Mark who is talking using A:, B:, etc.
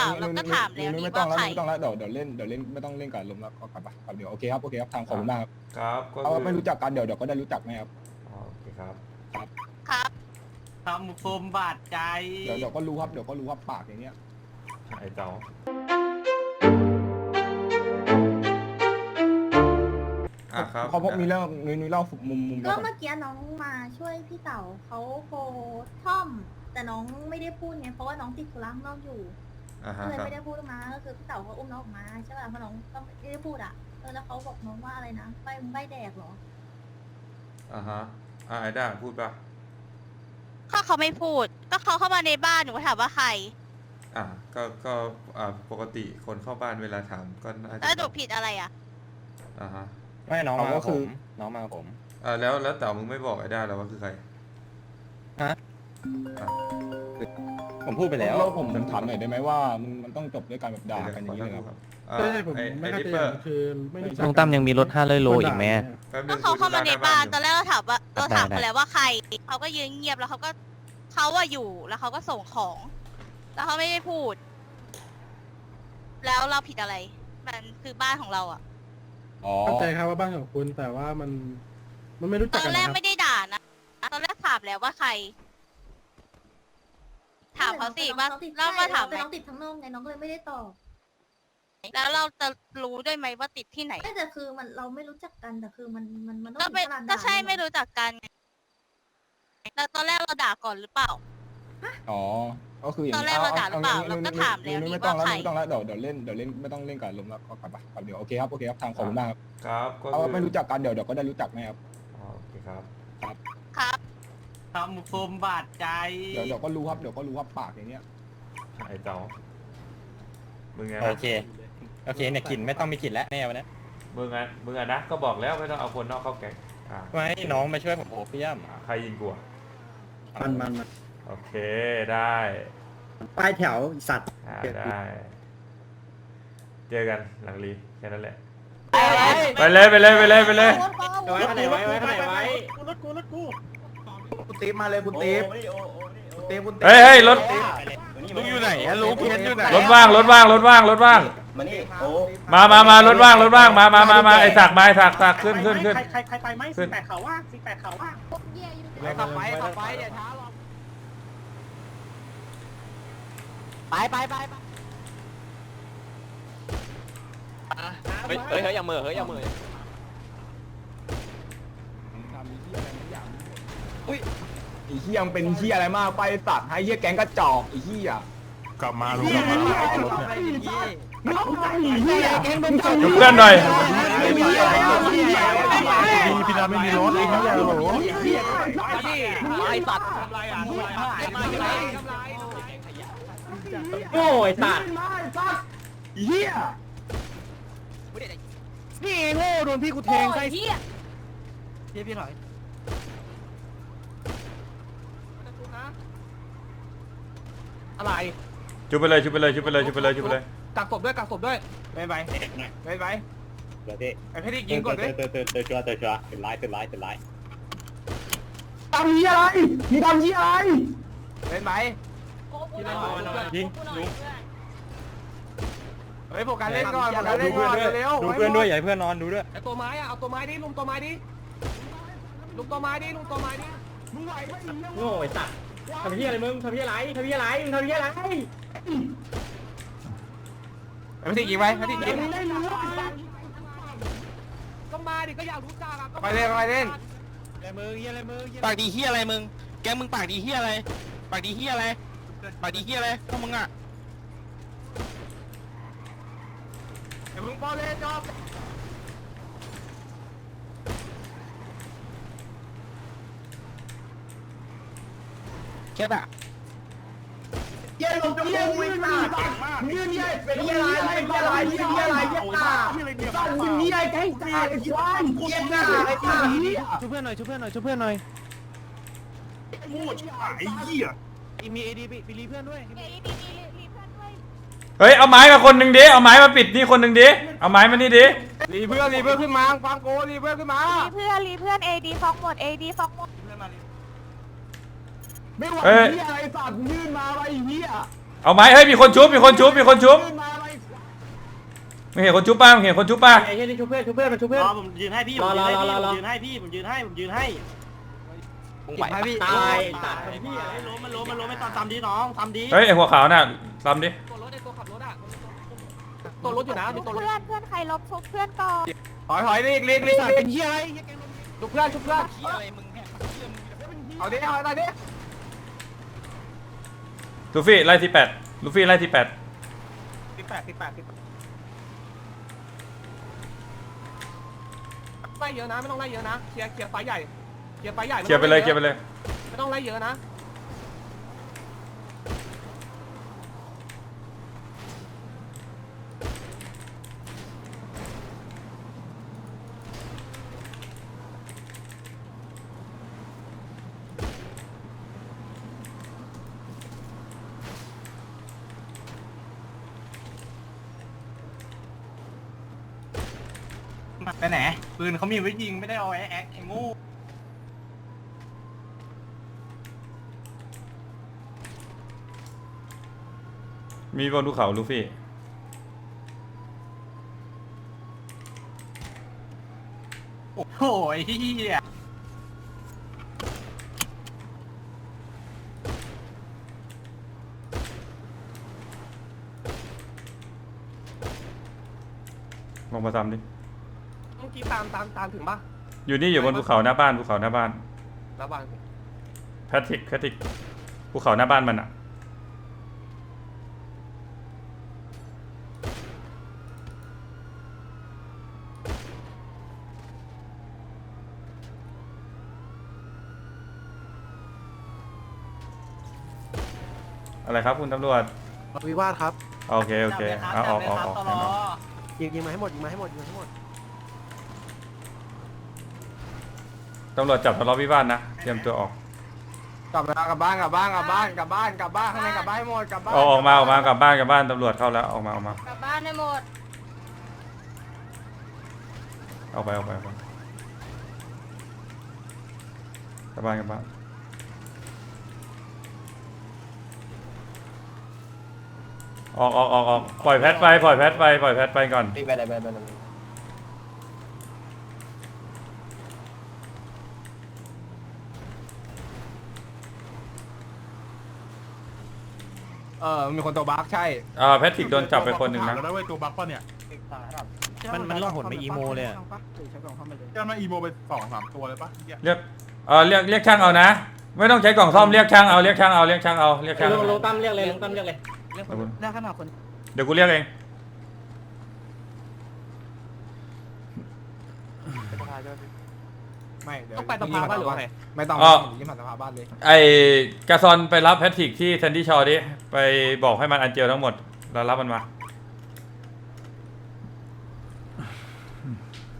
A: ล่าเราก็ถามแล้วนี่
B: ไม่ต้อง
A: ว่า
B: แล้ว
A: ใคร
B: ไม่ต้องแล้วเดี๋ยวเล่นไม่ต้องเล่นกับลมแล้วก็กลับไปครับเดี๋ยวโอเคครับทางขอบคุณมากครับ
C: ครับก็
B: เอาไม่รู้จักกันเดี๋ยวก็ได้รู้จักไหมครับ
C: โอเคครับ
A: ครับ
D: ทำคมบาดใจ
B: เดี๋ยวก็รู้ครับปากอย่างเงี้ย
C: ไอ้เจ้าครับ
B: เขาพบมีเรื่องนุ้ยเล่ามุม
E: ก็เมื่อกี้น้องมาช่วยพี่เต๋าเขาโพท่อม แต่น้องไม่ได้พูดไงเพราะว่าน้องติดธุระข้างนอกอยู่ก็เลย
C: ครับ
E: ไม่ได้พูดออกมาก็คือพี่เต๋าเขาอุ้มน้องออกมาใช่ป่ะเพราะน้องก็ไม่ได้พูดอ่ะแล้วเขาบอกน้องว่าอะไรนะใบแดกเหรอ
C: ไอ้ด้าพูดปะ
A: ก็เขาไม่พูด ก็เขาเข้ามาในบ้านหนูก็ถามว่าใคร
C: ก็ปกติคนเข้าบ้านเวลาถามก็น่าจะ
A: แล้วหนูผิดอะไรอ่ะ
F: ไม่น้องมากับผมน้องมากับผม
C: แล้วแต่มึงไม่บอกไอ้ด้าแล้วว่าคือใคร
F: ผมพูดไปแล้ว
B: ผมถามหน่อยได้ไหมว่ามันต้องจบด้วยการแบบด่ากันอย่างนี้เลยครับ
C: ใช่ผมไม่เข้าใจคือไม่รู้จัก
G: ลุงตั้มยังมีรถ500 โลอีกไหม
A: ก็เขาเข้ามาในบ้านตอนแรกเราถามเขาแล้วว่าใครเขาก็ยืนเงียบแล้วเขาว่าอยู่แล้วเขาก็ส่งของ แล้วเขาไม่ได้พูด แล้วเราผิดอะไร มันคือบ้านของเราอ่ะ
H: เข้าใจครับว่าบ้านของคุณแต่ว่ามันไม่รู้
A: ต
H: จัก
A: อ
H: กัน
A: นแร
H: นะ
A: ก
H: ครับ
A: ไม่ได้ด่านะตอนแรกถามแล้วว่าใคร ถามเขาสิว่าแล้วมาถามไหม
E: น้องติดทั้งนอกไงน้องก็เลยไม่ได้ตอบ
A: แล้วเราจะรู้ด้วยไหมว่าติดที่ไหน
E: ไม่แต่คือมันเราไม่รู้จักกันแต่คือมันต้อง
A: ก็ไม่
E: ถึงขนาดด่า
A: ก็ใช่
E: เลยเหรอ
A: ไม่รู้จักกันไงแล้วตอนแรกเราด่าก่อนหรือเปล่า
B: อ๋อก็คืออย่าง
A: ตอนแรกเราด่าหรือเปล่าเราก็ถามแล้วนี่
B: ไม่ต้อง
A: ว่าใคร
B: แล้วเดี๋ยวเล่นไม่ต้องเล่นกับลมแล้วก็กลับไปครับเดี๋ยวโอเคครับทางขอบคุณมากครับ
C: ครับก็
B: เอาไม่รู้จักกันเดี๋ยวก็ได้รู้จักไหมครับ
C: โอเคครับ
A: ครับ
D: ทำคมบาดใจ
B: เดี๋ยวก็รู้ครับปากอย่างเงี้ย
C: ไอ้เจ้ามึงไง
F: โอเคเนี่ยกลิ่นไม่ต้องมีกลิ่นแล้วแน่วันนี้
C: มึงนะก็บอกแล้วไม่ต้องเอาคนนอกเข้าแก๊ง
F: ไม่น้องมาช่วยผมโอ้พี่ย่ำ
C: ใครยิงกู
H: มัน
C: โอเคได้
H: ป้ายแถวสัตว์
C: ได้เจอกันหลังรีแค่นั้นแหละ
D: ไป
C: ไปเลย
H: ไว้ขนาดไว้รถกูคุณตีมาเลยคุณตี
C: เฮ้ยรถ
F: ลุงอยู่ไหนอะลุงเพียนอยู่ไหน
C: รถว่าง
H: มานี่โอ้
C: มารถว่างมาไอ้สักมาไอ้สักขึ้น
D: ใครไปไหม48เขาว่า48เขาว่า
H: ขับไปอย่าช้าหรอกไป
G: เฮ้ยอย่าเหม่อ
B: ทำเหี้ยอะไรไม่อยากอุ้ยไอ้เหี้ยมันเป็นเหี้ยอะไรมากไปสัตว์ให้เหี้ยแก๊งกระจอกไอ้เหี้ย
F: กลับมาลุงกลับมาเอารถเนี่ย
C: จุเพื่อนหน่อย
F: พี่ดาไม่มีรถไอ้เหี้ยโห
G: ไอ้สัตว์
H: โง่ไอ้สัตว์
B: เหี้ย
G: นี่โง่โดนพี่กูแทงใส่พี่ถอย
H: อะไร
C: จุไปเลย
H: กักศพด้วยไม่ไป
F: เดี๋ยวพี่
H: ไอ้พี่ยิงก่อนด้วย
F: เตือนชัวร์เป็นไลฟ์
B: ทำเหี้ยอะไรมึงทำเหี้ยอะไร
H: เป็นไหม
F: ยิง
H: เฮ้ยโฟกัสเล่นก่อนเร็ว
F: ดูเพื่อนด้วยอย่าให้เพื่อนนอนดูด้วย
H: ไอ้ตัวไม้อะเอาตัวไม้ดิลุงตัวไม้ดิมึงไหวไหมโง่ไอ้สัตว์ทำเหี้ยอะไรมึงทำเหี้ยอะไรไอ้พี่ยิงไว้พี่ยิงต้องมาดิก็อยากรู้จักอะไปเล่น
G: ปากดีเฮียอะไรมึงแกมึงปากดีเฮียอะไรพวกมึงอ่ะ
H: เดี๋ยวมึงป้อนเล่นจอบแค่แบบ
B: เหี้ยลงจะเหี้ยวิ่งมายืนเหี้ยเป็นเหี้ยอะไรเหี้ยตาสั่งมึงเหี้ยแก๊งตาไอ้ควายเหี้ยหน้าไอ้ตาเหี้ย
G: ช่วยเพื่อนหน่อย มีเอดีไปรีเพื่อนด้วย
C: เฮ้ยเอาไม้มาคนหนึ่งดิเอาไม้มาปิดนี่คนหนึ่งดิเอาไม้มานี่ดิ
H: รีเพื่อนขึ้นมาฟังโกรีเพื่อนขึ้นมา
E: เพื่อน AD ฟอกหมด
B: ไม่ไหวเหี้ยอะไรสัตว์ยื่นมาไอ้เหี้ย
C: เอาไหมเฮ้ยมีคนชุบมีคนชุบมีคนชุบไม่เห็นคนชุบป่ะไม่เห็นคนชุบป่ะ
H: ไอ้เหี้ยนี่ชุบเพื่อนมันชุบเพื่อน
D: รอผมยืนให้พี่ผมยืนให้พี่ผมยืนให้
G: มึงไหวปะ
H: ตายตาย
D: พี่อะไรล้มมันไม่ตามดีน้องทำดี
C: เฮ้ยไอหัวขาวน่ะซ้ำดิ
H: ตัวรถไอ้ตัวขับรถอ่ะตัวรถอยู่นะมีตัวรถ
A: เพื่อนใครลบชุบเพื่อนก่อน
H: ถอยเรียกเป็นเหี้ยอะไรชุบเพื่อน
G: เฮียอะไรมึงเนี่ยเฮียมึง
H: เอาดิเอาดิ
C: ลูฟี่ไล่ที่8ลูฟี่ไล่ที่8
H: 18ไล่เยอะนะไม่ต้องไล่เยอะนะเคลียร์ไฟใหญ่เคลียร์ไฟใหญ่
C: เคลียร์ไปเลยเคลียร์ไปเลย
H: ไม่ต้องไล่เยอะนะ
D: ไปไหนปืนเขามีไว้ยิงไม่ได้เอาไอ้แอ๊กไอ้งู
C: มีบนภูเขาลูฟี่
D: โอ้โหเฮีย
C: ลงมาซ้ำดิ
H: เมื่อกี้ตามถึงป่ะ
C: อยู่นี่อยู่บนภูเขาหน้าบ้านภูเขาหน้าบ้าน
H: แล้วบ้าน
C: แพทริกภูเขาหน้าบ้านมันอะอะไรครับคุณตำรวจ
B: วิวาทครับ
C: โอเคโอเคเอาออก
B: ยิงมาให้หมด
C: ตำรวจจับทะเลาะวิวาทนะเตรียมตัวออก
H: กลับบ้านข้างในกลับบ้านให้หมดกลับบ้าน
C: ออกมากลับบ้านตำรวจเข้าแล้วออกมาก
A: ลับบ้านได้หมด
C: เอาไปกลับบ้านออกปล่อยแพทไปก่อน
F: ไปเลยมีคนตัวบั๊กใช่
C: แพทริกโดนจับไปคนหนึ่งนะ
I: แล้วเว้ยตัวบัคป่ะเนี่ย
D: มันล่อหนไปอีโมเลย
I: จะมาอีโมไป2-3ตัวเลยป่ะเมื่อกี้
C: เรียกช่างเอานะ ไม่ต้องใช้กล่องซ่อมเรียกช่างเอา
H: ลุงตั้มเรียกเลย
D: ได้ขนาดคน
C: เดี๋ยวกูเรียกเอง
F: ไม่เดี๋ยว
H: ต้องไปสภาบ้านหรือว่าไง
F: ไม่ต้องยิ้มผ่านสภาบ้านเลย
C: ไอกาซอนไปรับแพทริกที่แซนดี้ชอร์ดิไปบอกให้มันอันเจลทั้งหมดแล้วรับมันมา